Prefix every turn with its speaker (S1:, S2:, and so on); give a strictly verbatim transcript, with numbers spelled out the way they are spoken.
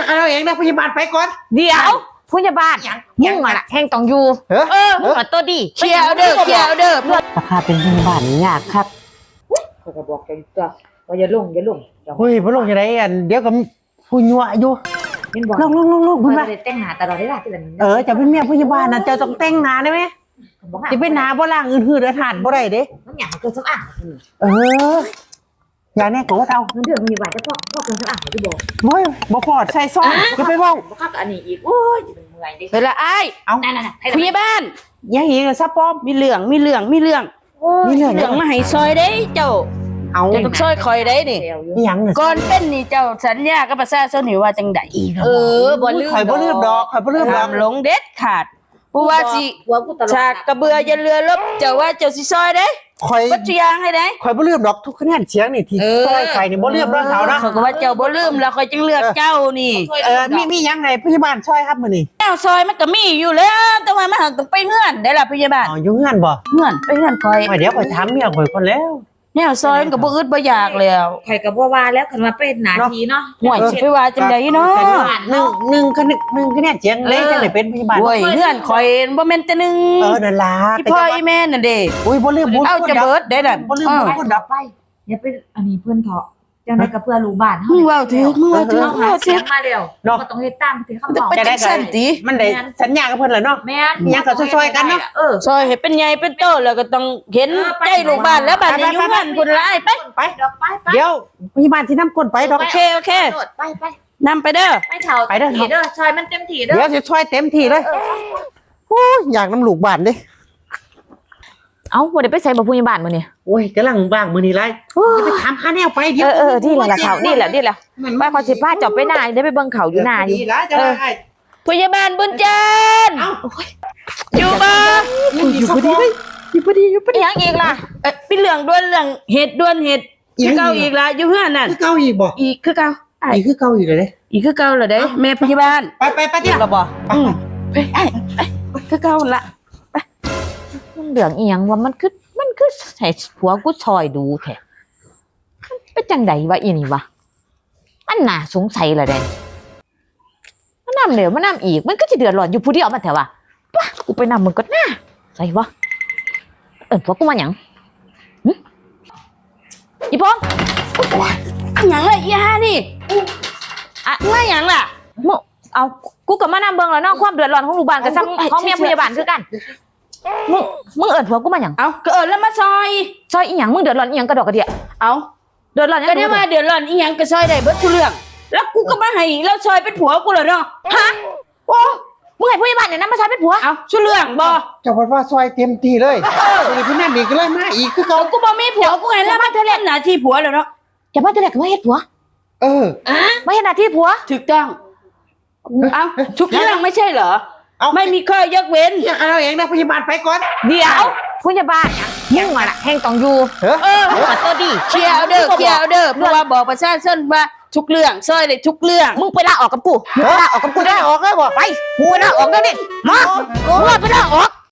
S1: เราเองนะพยาบาลไปก่อน
S2: เดี๋ยวพยาบาลมึงอะแห้งต้องอยู่เออมึงอะตัวดี
S3: เคลียร์เด้อเคลียร์เด้อ
S2: ราคาเป็นพยาบาลนี่ยากครับ
S3: เขาก็บอกแกตัวว่าอย่าลงอย่าลง
S1: เฮ้ยพระลงจะได้อันเดี๋ยวกับผู้ยั่วอยู่ลงลงลงลงคุณว่า
S3: แต่งหน้าตลอดเวลาที่
S1: เออจะเป็นเมียพยาบาลนะเจ้าต้องแต่งหน้าได้ไหมจะเป็นหน้าบ่ล่างอื่นหืดอาหารบ่ได้เด้
S3: มันอยากเกินสักอ่ะ
S1: เอออย่างนี้กูว่าเอา
S3: เงินเดือนมีบาทจะพอพอเกินสักอ่ะที่บอก
S1: โอ้ยบ่พอใส่ซองจะไปบ้อง
S3: บ่คักอันนี้อีกโอ้ยจะเป็นเมื่อยดิ
S2: เวลาไอ้
S3: เอานั่นๆ
S2: พยาบาล
S1: ยังอีกซับปอม
S2: มีเหลืองมีเหลืองมีเหลืองมีเหลืองมาให้ซอยได้เจ้า
S1: เอา
S2: จะต้องซอยคอยได้นี่
S1: ยัง
S2: ก่อนเป็นนี่เจ้าสัญญากับประชาชนนี่ว่าจังได๋เออบ่ลืม
S1: ข่อยบ่ลืมดอกข่อยบ่ลืมดอก
S2: หลงเด็ดขาดผู้ว่าสิฉากกระเบือยันเรือลบเจ้าว่าเจ้าสิซอยได้
S1: ข่อย
S2: บ่ทุกอย่างให้ได้
S1: ข่อยบ่ลืมดอกทุกคะแนนเสียงนี่ที่ซอยไข่นี่บ่ลืมดอกเขานะ
S2: เขาก็ว่าเจ้าบ่ลืมแล้วข่อยจึงเลือกเจ้านี่
S1: เออมีมียังไงพยาบาลซอยครับมื้อนี้
S2: แนวซอยมันก็มีอยู่แล้วแต่ว่ามันต้องไปเฮือนได้ล่ะพยาบาล
S1: อ๋ออยู่เฮือนบ่
S2: เฮือนไปเฮือนข่อย
S1: เดี๋ยวข่อยถามเมียข่อยก่อนแล้ว
S2: แนวซอยมันก็บ่อึดบ่อยากแล้ว
S3: ใครก็บ่ว่าแล้วคันว่าเป็นหน้าที่เนาะ
S2: ห่วยสิไปว่าจังได๋เนาะ
S1: หนึ่งหนึ่งคะแนนหนึ่งคะแนนเสียงเลยจังได๋เป็นพยาบาล
S2: โอ้ยเฮือนข่อยบ่แม่นแต่นึง
S1: เออนั่นล่ะ
S2: พี่พ่ออีแม่นั่นเด้
S1: อุ้ยบ่ลืมบ่
S2: เอาจะเบิดได้นั่น
S1: บ่ลืมบ่คนดับ
S3: ไปอย่าไปอันนี้เพิ่นเถาะจังได๋ก็เพื่อลูกบ้านเฮา
S2: มึงเว้าถึงมึงเว้าถึง
S3: เฮาเสียมาแล้วก็ต้องเฮ็ดตามที่คำบอก
S2: จะได้สั่นติ
S1: มันได้สัญญากับเพิ่นแล้วเนาะ
S3: แม่น
S1: ยังก็ซอยๆกันเนาะ
S3: เออ
S2: ซอยให้เป็นใหญ่เป็นโตแล้วก็ต้องเห็นใจลูกบ้านแล้วบัดนี้อยู่บ้านพุ่นหลายไป
S1: ไปเดี๋ยวพยาบาลสินำคนไปดอก
S2: โอเคโอเค
S3: ไปไป
S2: นำไปเด้อ
S3: ไปเฒ่าไปเด้อเด้อซอยมันเต็มที่เด้อ
S1: เดี๋ยวสิช่วยเต็มที่เลยโอ้ยอยากนำลูกบ้านเด้
S2: เอ้าบ่ได้ไปใส่บ่พยาบาลมื้อนี้
S1: โอ้ยกำลังว่างมื้อนี้ไรจะไปถามค่าแนวไปเดี๋ยว
S2: เออๆนี่แหละเขานี่แหละนี่แหละบ้านเขาสิพาเจ้าไปหน้าได้ไปเบิ่งเขาอยู่หน้าอยู่เออพยาบาลบุญจันทร์อยู่บ่
S1: อยู่พอดีเลยอยู่พอดีอยู่พอดี
S2: ยังอีกล่ะเอ้ยเป็นเรื่องด่วนเรื่องเหตุด่วนเหตุคือเก่าอีกล่ะอยู่เฮือนนั่น
S1: คือเก่าอีกบ่
S2: อีกคือเก่า
S1: อีกคือเก่าอีกเลยเด้
S2: อีกคือเก่าเหรอเด้แม่พยาบาล
S1: ไปไปไปเดี๋ยว
S2: บ่อืมไปไอ้ไปคือเก่าล่ะไปมันเรื่องอีหยังว่ามันคือมันคือให้ผัวกูซอยดูแท้เป็นจังได๋วะอีนี่วะมันน่าสงสัยล่ะเด้มันนำเดี๋ยวมันนำอีกมันก็สิเดือดร้อนอยู่ผู้เดียวมันแท้ว่าป่ะกูไปนำมึงก่อนนะใส่วะเอิ้นผัวกูมาหยังหึอีพงหยังล่ะอีห่านี่อ่ะมาหยังล่ะมึงเอากูก็มานำเบิ่งแล้วเนาะความเดือดร้อนของลูกบ้านก็ซ้ำของเมียพยาบาลคือกันมึงมึงเอิ้นผัวกูมาหยัง
S3: เอาก็เอิ้นแล้วมาซอย
S2: ซอยอีหยังมึงเดือดร้อนอีหยังกระดอกกระเดี่ย
S3: เอา
S2: เดือดร้อน
S3: ก็ได้ว่าเดือดร้อนอีหยังก็ซอยได้เบิดทุกเรื่องแล้วกูก็มาให้แล้วซอยเป็นผัวกูเหรอเนาะ
S2: ฮะโอ้มึงให้พยาบาลเนี่ยนำมาซอยเป็นผัว
S3: เอาชุเรื่องบ่
S1: เจ้าบอกว่าซอยเต็มที่เลยเออนี่พี่นั่นนี่ก็เลยมาอีกคือเก่า
S3: กูบ่มีผัวกูให้แล้วมาเทเลหน้าที่ผัวแล้วเนาะ
S2: จะมาเทเลก็มาเฮ็ดผัว
S1: เออ
S3: อ่ะ
S2: มาเฮ็ดหน้าที่ผัว
S3: ถูกต้องเอาทุกเรื่องไม่ใช่เหรอไม่มีข้อยกเว้น
S1: อยากเราเองนะพยาบาลไปก่อน
S2: เดี๋ยวพยาบาลมึงอะแห้งต้องอยู่เออมึงอะตัวดี
S3: เคลียร์เด้อเคลียร์เด้อเพราะว่าบอกประชาชนว่าทุกเรื่องซอยได้ทุกเรื่อง
S2: มึงไปลาออกกับกูมึงไปลาออกกับกูได้
S1: ออกได้บ่
S2: ไปมึงไปลาออกได้ดิมามึงไปลาออก